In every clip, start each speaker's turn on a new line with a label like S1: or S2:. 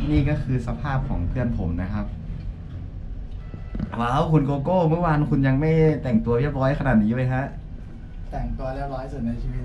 S1: นี่ก็คือสภาพของเพื่อนผมนะครับว้าวคุณโกโก้เมื่อวานคุณยังไม่แต่งตัวเรียบร้อยขนาดนี้เลยฮะ
S2: แต่งตัวเรียบร้อยสุดในชีวิต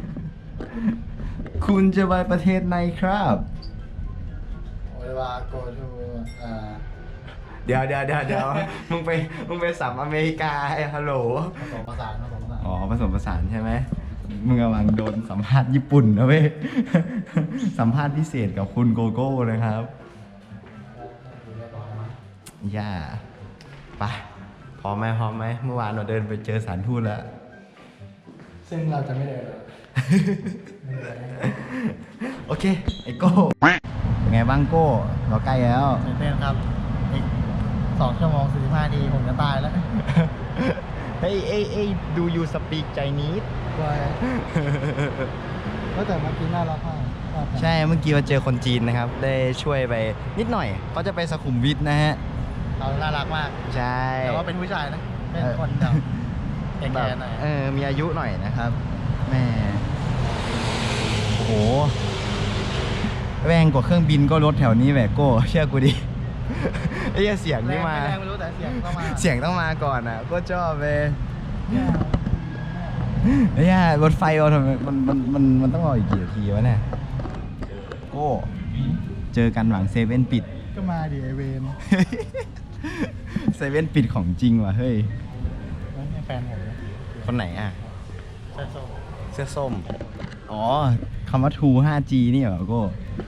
S1: คุณจะไปประเทศไหนครับ
S2: เวลา go to
S1: เดี๋ยวมึงไปสัมอเมริกาไอ้ฮัลโหล
S2: ผสมผสาน
S1: อ๋อผสมผสานใช่ไหมมึงกำลังโดนสัมภาษณ์ญี่ปุ่นนะเว้ย สัมภาษณ์พิเศษกับคุณโกโก้นะครับย่าไปพร้อมไหมเมื่อวานเราเดินไปเจอสถานทูตแล้ว
S2: ซึ่งเราจะไม่เดินเลย
S1: โอเคไอโก้เป็นไงบ้างโก้เราใกล้แล้ว
S2: ตื่นเต้นครับอีก2 ชั่วโมง 45 นาทีผมจะตายแล้ว
S1: เฮ้ยดูยูสปีกใจนิด
S2: กลัวก็แต่เมื่อกี้น่ารักมาก
S1: ใช่เมื่อกี้เราเจอคนจีนนะครับ ได้ช่วยไปนิดหน่อยเขาจะไปสุขุมวิทนะฮะ
S2: เขาน่ารักมาก
S1: ใช่
S2: แต่ว่าเป็นผู้ชายนะ เป็นคนแบบแก่ๆหน่อย
S1: มีอายุหน่อยนะครับแม่โอ้โหแรงกว่าเครื่องบินก็รถแถวนี้แหวกโก้เชื่อกูดิ ไอ้เสียงนี่มา
S2: แรงไม่รู้แต่เสียงต้องมา
S1: เสียงต้องมาก่อนอ่ะก็ชอบเลยไอ้รถไฟเราทำไมมันต้องรออีกกี่นาทีวะเนี่ยโก้เจอกันหลังเซเว่นปิด
S2: ก็มาดิไอเวน
S1: เซเว่นปิดของจริงว่ะเฮ้ย
S2: นี่แฟนผม
S1: คนไหนอ่ะ
S2: ใช่ส้ม
S1: เสื้อส้มอ๋อคำว่า True 5G นี่เหรอโก้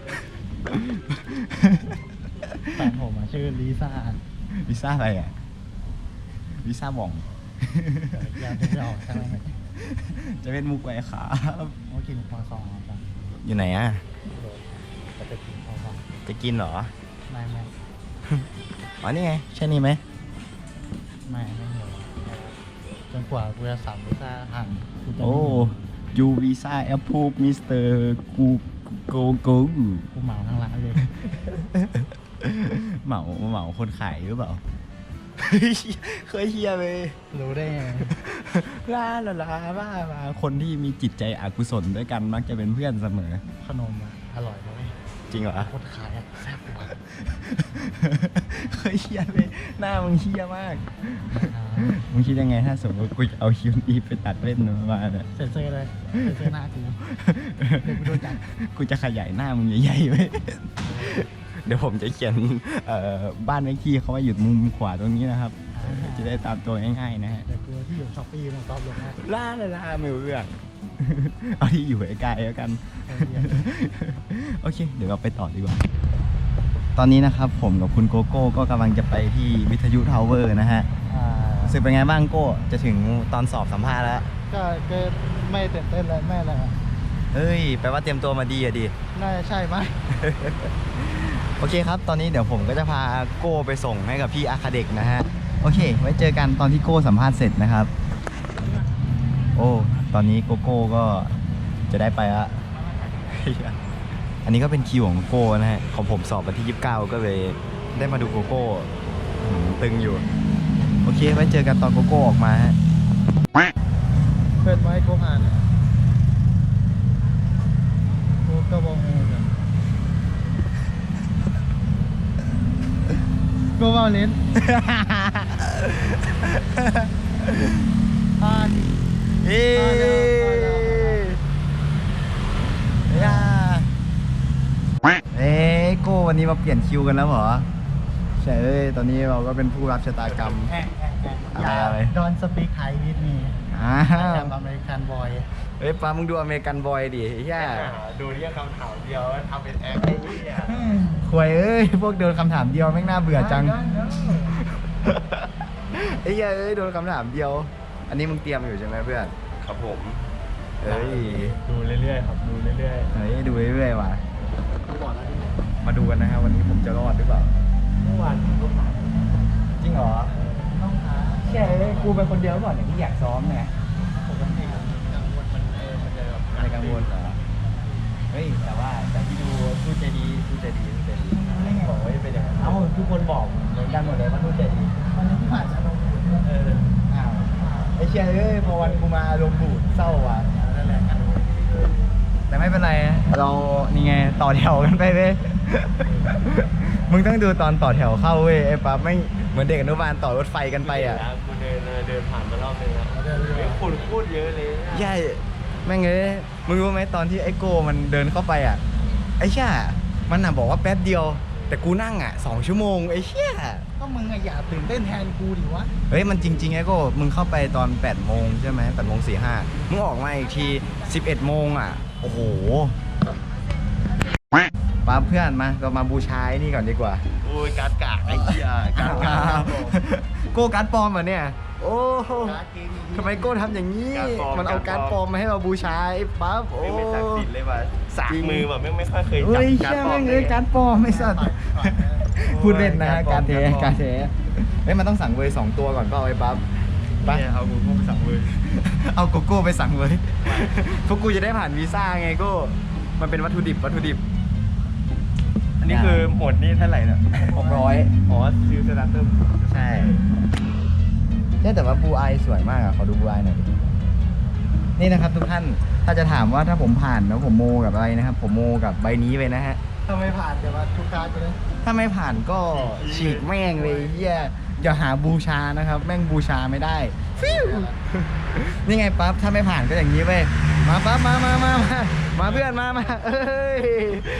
S2: แฟนผมชื่อลิซ่า
S1: ลิซ่าอะไรอ่ะลิซ่าบ่อง
S2: อยากจะออกใช่ไหม
S1: จะเป็นมุกไว้ครับ
S2: เมื่อกินคอซองครับ
S1: อยู่ไหนอ่ะ
S2: จะไปกินคอซอง
S1: จะกินเหรอ
S2: ไม่
S1: อ๋อนี่ไงใช่นี่ไหม
S2: ไม่เหนียวจนกว่ากูจะสั่งลิซ่าหั่นกูจะ
S1: โอ้ยูวีซ่าแอปพูมิสเตอร์กูโกโก้
S2: กูเหมาทั้งร้านเลย
S1: เหมาคนขายหรือเปล่า เคยเฮียเลย
S2: รู้ได้ไง
S1: ลาบ้าคนที่มีจิตใจอกุศลด้วยกันมักจะเป็นเพื่อนเสมอ
S2: ขนมอร่อยเลย
S1: จริงเหรอ
S2: คนขายแซ่บกว่า
S1: เคยเฮียเลยหน้ามึงเฮียมากมึงคิดยังไงถ้าสมมติกูจะเอาคิวนี้ไปตัดเล่นมาเนี่ย
S2: เซ็นเซอร์เลยเซ็นเซอร์หน้ากูเดี๋ยวกูโดนจับ
S1: กูจะขยายหน้ามึงใหญ่ๆไว้ เดี๋ยวผมจะเขียนบ้านเลขที่เขาไว้อยู่มุมขวาตรงนี้นะครับ จะได้ตามตัวง่ายๆนะฮะ
S2: เดี๋ยวกูที่อยู่ช้อปปี้มาตอบลงนะ
S1: ล่าไม่รู้เรื่อง เอาที่อยู่ไกลๆแล้วกัน โอเค เดี๋ยวเราไปต่อดีกว่า ตอนนี้นะครับผมกับคุณโกโก้ก็กำลังจะไปที่วิทยุทาวเวอร์นะฮะรู้สึกเป็นไงบ้างโก้จะถึงตอนสอบสัมภาษณ์แล้ว
S2: ก็ไม่ตื่นเต้นเลยไม่อะไร
S1: เฮ้ยแปลว่าเตรียมตัวมาดีอะดิ
S2: น่าจะใช่ไหม
S1: โอเคครับ ตอนนี้เดี๋ยวผมก็จะพาโก้ไปส่งให้กับพี่อาคาเด็กนะฮะ โอเค ไว้เจอกันตอนที่โก้สัมภาษณ์เสร็จนะครับ โอ้ ตอนนี้โกโก้ก็จะได้ไปละ อันนี้ก็เป็นคิวของโก้นะฮะ ของผมสอบวันที่ 29 ก็เลยได้มาดูโกโก้ตึงอยู่ โอเค ไว้เจอกันตอนโกโก้ออกมาฮะ
S2: เปิดไว้กูผ่านกูก็มองกันกูว่าเล่น
S1: เฮ้ยโก้วันนี้มาเปลี่ยนคิวกันแล้วเหรอ ใช่เลยตอนนี้เราก็เป็นผู้รับชะตากรรม
S2: อะไรดอนสปีกไทยวิดมีแอมอเมริกันบอย
S1: เฮ้ยป้ามึงดูอเมริกันบอยดิแย่
S2: ดูเรียกคำถามเดียวทำเป็นแอคไอ้เหี้ย
S1: ควยเอ้ยพวกโดนคำถามเดียวแม่งน่าเบื่อจังไอ้เหี้ยเอ้ยโดนคำถามเดียว อันนี้มึงเตรียมอยู่ใช่ไหมเพื่อน
S3: ครับผม
S1: เฮ้ย
S2: ดูเรื่อยๆครับดูเรื่อย
S1: เฮ้ยดูเรื่อยๆว่ะมาดูกันนะครับวันนี้ผมจะรอดหรือเปล่า
S2: ๆเมื่อวานกูผ่าน
S1: จริงเหรอ
S2: ต้องหา
S1: ใช่กูเป็นคนเดียวก่อนที่อยากซ้อมไง
S2: ปกติกังวลมันจะแบบ
S1: อะไรกังวลเหรอเฮ้ยแต่ว่าแต่ที่ดูทูตใจดีบอกว่าจะเป็นอย่างนั้นเอ้าทุกคนบอกเหมือนกันหมดเลยว่าทูตใจดี
S2: วันนี้ที่ผ่านจะลง
S1: อ้าวไอ้เชี่ยเอ้ยพอวันกูมาลมณ์บูดเศร้าว่ะ
S2: นั่นแหละกัน
S1: แต่ไม่เป็นไรเรานี่ไงต่อแถวกันไปเว้ย มึงต้องดูตอนต่อแถวเข้าเว้ยไอ้ปั๊บไม่เหมือนเด็กอนุบาลต่อรถไฟกันไปอ่ะ
S3: กูเดินผ่านมารอบนึงแล้วคนพูดเยอะเลย
S1: ใช่แม่งเอ้ยมึงรู้ไหมตอนที่ไอ้โก้มันเดินเข้าไปอ่ะไอ้เชี่ยมันน่ะบอกว่าแป๊บเดียว แต่กูนั่งอ่ะ2 ชั่วโมงไอ้เชี่ย
S2: ก็มึงอะอย่าตื่นเต้นแทนกูดิวะ
S1: เฮ้ยมันจริงๆไอ้โก้มึงเข้าไปตอน8 โมงใช่ไหม8:45มึงออกมาอีกที11 โมงอ่ะโอ้โหปั๊บเพื่อนมาเรามาบูชาไอ้นี่ก่อนดีกว่า
S3: โอ้ยการกะไอ้เหี้ยการกะ
S1: โก้การ์ดปลอมเหรอเนี่ยโอ้โห
S2: การ์ดเกมอย่างนี้
S1: ทำไมโก้ทำอย่างนี้ มันเอาการ์ดปลอมมาให้เราบูชาไอ้ปั๊บโอ้
S3: ไม่ศักดิ์สิทธิ์เลยว่ะสากมือแบบไม่ค่อยเคยจั
S1: เฮ้
S3: บ
S1: ย
S3: การ
S1: เชื่อ
S3: ปลอ
S1: แม่
S3: ม
S1: ง
S3: เล
S1: เลย ยการ์ดปลอมไม่สัตว์ พูดเล่นนะ
S3: โอ้ย
S1: การเท
S3: การปลอม
S1: เฮ้ยมันต้องสั่งเวย์2 ตัวก่อนเปล่าไอ้ปั๊บไป
S3: เนี่ยเอากูเข้าไปสั่งเลย
S1: เอาโกโก้ไปสั่งเวย์พวกกูจะได้ผ่านวีซ่าไงโก้มันเป็นวัตถุดิบ
S3: อันนี้คือหมดนี่เท่าไหร่เนี่ย
S1: 600
S3: อ๋อซื้อสตาร์เตอร์
S1: ใช่แต่ว่าบูไอสวยมากอ่ะขอดูบูไอหน่อยดินี่นะครับทุกท่านถ้าจะถามว่าถ้าผมผ่านแล้วผมโมกับอะไรนะครับ ผมโมกับใบนี้ไปนะฮะ
S2: ถ้าไม่ผ่านจะมาทุกการ์ดไปเลย
S1: ถ้าไม่ผ่านก็ฉีกแม่งเลยเฮียอย่าหาบูชานะครับ แม่งบูชาไม่ได้ฟิวนี่ไงปั๊บถ้าไม่ผ่านก็อย่างนี้เว้ยมาปั๊บมาเพื่อนมาเอ้ย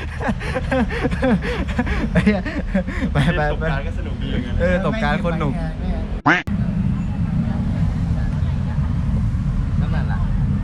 S1: ไป
S3: ตกการก็สนุกดีอย่างเงี้ย
S1: ตบการคนหนุ่มนั่นแหละ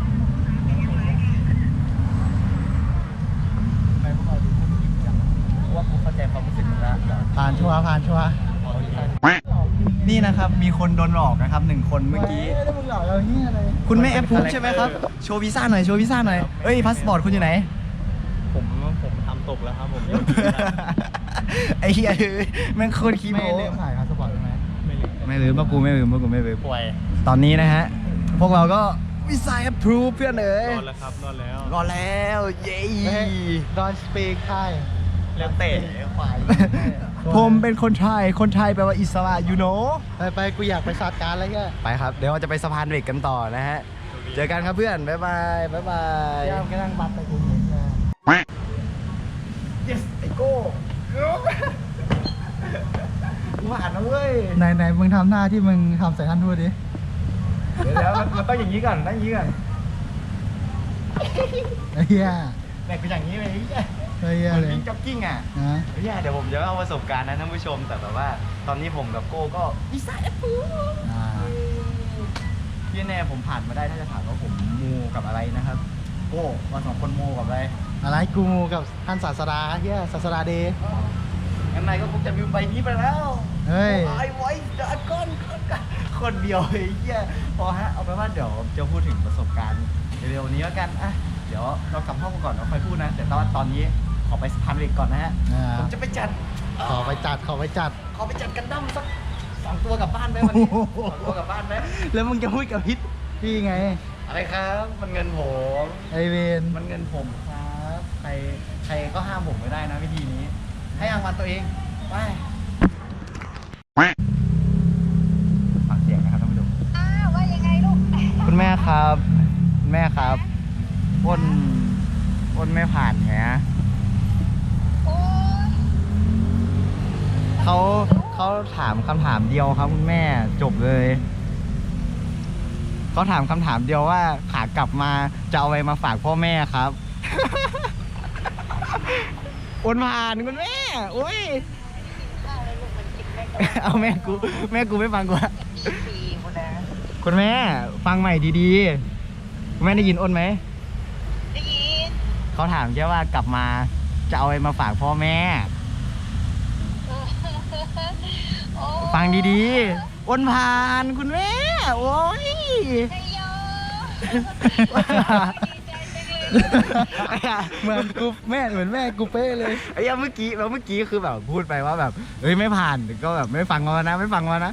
S2: ไปพวกเราดูพวกมึงจริงจัง
S1: ว่ากูเข้าใจความรู้สึกมึงแล้ว
S2: ผ่านชัวร์
S1: นี่นะครับมีคนโดนหลอกนะครับ1 คนเมื่อกี้
S2: แล้วมึงหลอกเราเฮียอะไร
S1: คุณไม่แอปพูฟใช่ไหมครับ โชว์วีซ่าหน่อยเอ้ยพาสปอร์ตคุณอยู่ไหน
S3: ผมทำตกแล้วครับผม
S1: ไอ้เหี้ยแม่งโคตรขี้
S2: ไม่
S1: โม้
S2: ลืมถ่ายพาสปอร์ตใช่ไหม
S1: ไม่ลืมว่ากูไม่ลืม
S3: ป่วย
S1: ตอนนี้นะฮะ พวกเราก็วีซ่าแอปพูฟเพื่อนเอ๋ย
S3: รอดแล้วครับรอดแล้ว
S1: รอแล้วเย้
S2: ดอนสเปกไทย
S3: แล้วเตะ
S2: ควาย
S1: ผมเป็นคนไทยแปลว่าอิสระยูโน
S2: ไปกูอยากไปสัตว์การอะไรแก
S1: ไปครับ เดี๋ยวเราจะไปสะพานเหล็กกันต่อนะฮะ เจอกันครับเพื่อน บ๊ายบาย
S2: เดี๋ยวก็นั่งบัตรไปกูเห็นนะ
S1: yes ไอโก้กูผ่านนะเว้ย
S2: ไหนมึงทำหน้าที่มึงทำใส่ท่านทูตดิ
S1: เดี๋ยวมันต้องอย่างนี้ก่อนต้องอย่างนี้ก่อน
S2: ไอ้เหี้ย
S1: แบกเป็นอย่างนี้เลย
S2: ไอ้เหี้ย
S1: เหมือน
S2: เลย
S1: วิ่งจ็อกกิ้งอ่ะ
S2: นะ
S1: เดี๋ยวผมจะเอาประสบการณ์นะท่านผู้ชม แต่แบบว่าตอนนี้ผมกับโก้ก็วีซ่าแอปพู
S2: อ่า
S1: พี่แน่ผมผ่านมาได้ถ้าจะถามว่าผมมูกับอะไรนะครับโก้เรา2 คนมูกับอะไร
S2: อะไรกูกับท่านศาสดาเหี้ยศาสดาเดย์
S1: งั้นนายก็คงจะมีใบนี้ไปแล้ว
S2: เฮ้ย
S1: ไอ้ไว้เดอะก้อนคนเดียวไอ้เหี้ยพอฮะเอาไปนว่าเดี๋ยวจะพูดถึงประสบการณ์เร็วๆนี้แล้วกันอ่ะเดี๋ยวเรากลับห้องก่อนเราค่อยพูดนะแต่ตอนนี้ขอไปสะพานเหล็กก่อนนะฮะ
S2: อ่า
S1: ผมจะไปจัด
S2: ขอไปจัด
S1: ขอไปจัดกันดั้มสัก2 ตัวกลับบ้านไหมวันนี้2 ตัวกลับบ้านไหม
S2: แล้วมึงจะพูดกับพิษพี่ไง
S1: อะไรครับ มันเงินผม
S2: ไอเวน
S1: มันเงินผมครับใครก็ห้ามผมไม่ได้นะวิธีนี้ ให้รางวัลตัวเองไปฟังเสียงนะครับท่านผู้ชม
S4: ว่ายังไงลูก
S1: คุณแม่ครับคุณแม่ครับอ้นไม่ผ่านไง
S4: โอ้ย
S1: เขาถามคำถามเดียวครับคุณแม่จบเลยเขาถามคำถามเดียวว่าขากลับมาจะเอาอะไรมาฝากพ่อแม่ครับ อ้นผ่านคุณแม่โอ้ย
S4: ข้าวเลยลูกมันกินไม่ได้
S1: เอาแม่กูไม่ฟังกูอะ
S4: ฟรีหมดนะ
S1: คุณแม่ฟังใหม่ดีๆคุณแม่ได้ยินอ้นไหม
S4: ได้ยิน
S1: เขาถามแค่ว่ากลับมาจะเอาอะไรมาฝากพ่อแม่
S4: โอ้
S1: ฟังดีๆอ้นผ่านคุณแม่โอ้ย
S4: ไอ้โยดีใจจังเลย
S2: เหมือนกูเหมือนแม่กูเป๊ะเลย
S1: ไอ้เมื่อกี้คือแบบพูดไปว่าแบบเฮ้ยไม่ผ่านก็แบบไม่ฟังมานะอ้นผ่านคุณแม่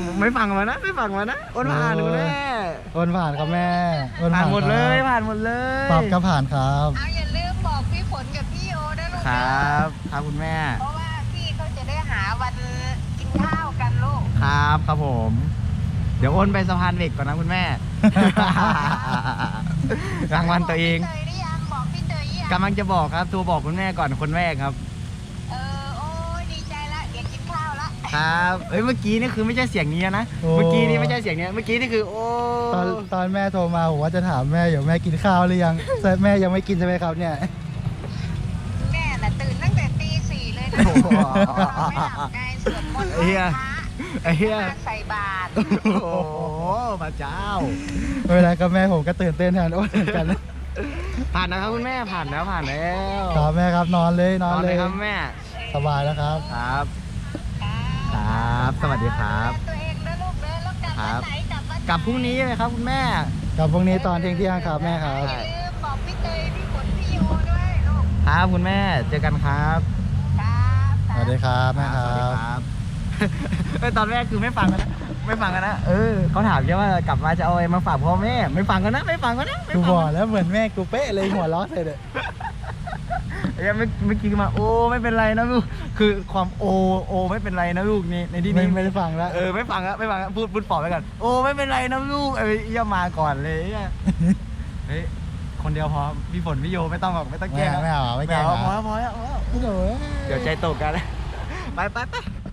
S2: โอนผ่านครับแม่โอน
S1: ผ่านหมดเลย
S2: ครับ
S1: ผ่านหมดเลย
S2: ตอบก็ผ่านครับ
S4: เอาอย่าลืมบอกพี่ฝนกับพี่โยนะลูก
S1: คร
S4: นะ
S1: ับครับคุณแม่
S4: เพราะว่าพี่เขาจะได้หาวันกินข้าวกันลูก
S1: ครับผม เดี๋ยวอ้นไปสะพานเหล็กก่อนนะคุณแม่ รางวัลตัวเอง
S4: บอกพี่เตยหรือยังบอกพี่เตย
S1: กำลังจะบอกครับโทรบอกคุณแม่ก่อนคนแรกครับ
S4: โอ้ยดีใจละเดี๋ยวกินข้าวละ
S1: ครับเอ้ยเมื่อกี้นี่คือไม่ใช่เสียงนี้นะ
S2: โอ้
S1: เมื่อกี้นี่ไม่ใช่เสียงนี้เมื่อกี้นี่คือโอ้
S2: ตอนแม่โทรมาผมว่าจะถามแม่อยู่แม่กินข้าวหรือยังแต่แม่ยังไม่กินใช่ไหมครับเนี่ย
S4: แม่น่ะตื่นตั้งแต่ตีสี่เลยนะ
S1: โอ้โห
S4: ไม่หลับไงสวดมนต์ไห
S1: ไอ้
S4: ว้
S1: เหี้ย
S4: พระ
S1: ไอ้เหี้ย
S4: มาใส่บาตร
S1: โอ้โหพระเจ้า
S2: เวลากับแม่ผมก็ตื่นเต้นแทนโอ้ยเหมือนกัน
S1: ผ่านนะครับคุณแม่ผ่านแล้วผ่านแล้ว
S2: ครับแม่ครับนอนเลยน
S1: น
S2: อ
S1: อน น
S2: เล
S1: เลย ยครับแม่
S2: สบายแล้วครับ
S1: ครับ ครับสวัสดีครับ
S4: ตัวเองนะลูกนะแล้วกลับ
S1: ครั
S4: วั
S1: บ
S4: นไหนกลับวัน
S1: กลับพรุ่งนี้ไหมครับคุณแม่
S2: กับพรุ่งนี้ตอนเที่ยงครับแม่ครับ
S4: อย่าลืมบอกพี่เตยพี่ฝนพี่โยด้วยลูก
S1: ครับคุณแม่เจอกันครับ
S4: ครับ
S2: สวัสดีครับแม่ค
S1: สวัสดี
S2: รับ
S1: ครับ เอ้ยตอนแรกคือไม่ฟังกันนะไม่ฟังกันนะเขาถามแค่ว่ากลับมาจะเอาอะไรมาฝากพ่อแม่ไม่ฟังกันนะไม่ฟังกันนะไม่
S2: กู
S1: ฟัง
S2: บอก
S1: กันนะ
S2: แล้วเหมือนแม่กูเป๊ะเลยหัวล้อใส่เลย
S1: ไอ้เหี้ยเมื่อกี้มาโอ้ไม่เป็นไรนะลูกคือความโอไม่เป็นไรนะลูกนี่ในที่นี้
S2: ไม่ได้ฟังแล้ว
S1: ไม่ฟังแล้วไม่ฟังแล้วพูดปลอบไปก่อนโอ้ไม่เป็นไรนะลูกเอี้ยมาก่อนเลยเฮ้ยคนเดียวพอพี่ฝนพี่โยไม่ต้องหรอกไม่ต้องแกล้ง
S2: ไม่เอาไม่แกล้ง
S1: พอแล้ว
S2: โอ้โห
S1: เดี๋ยวใจตกกันไป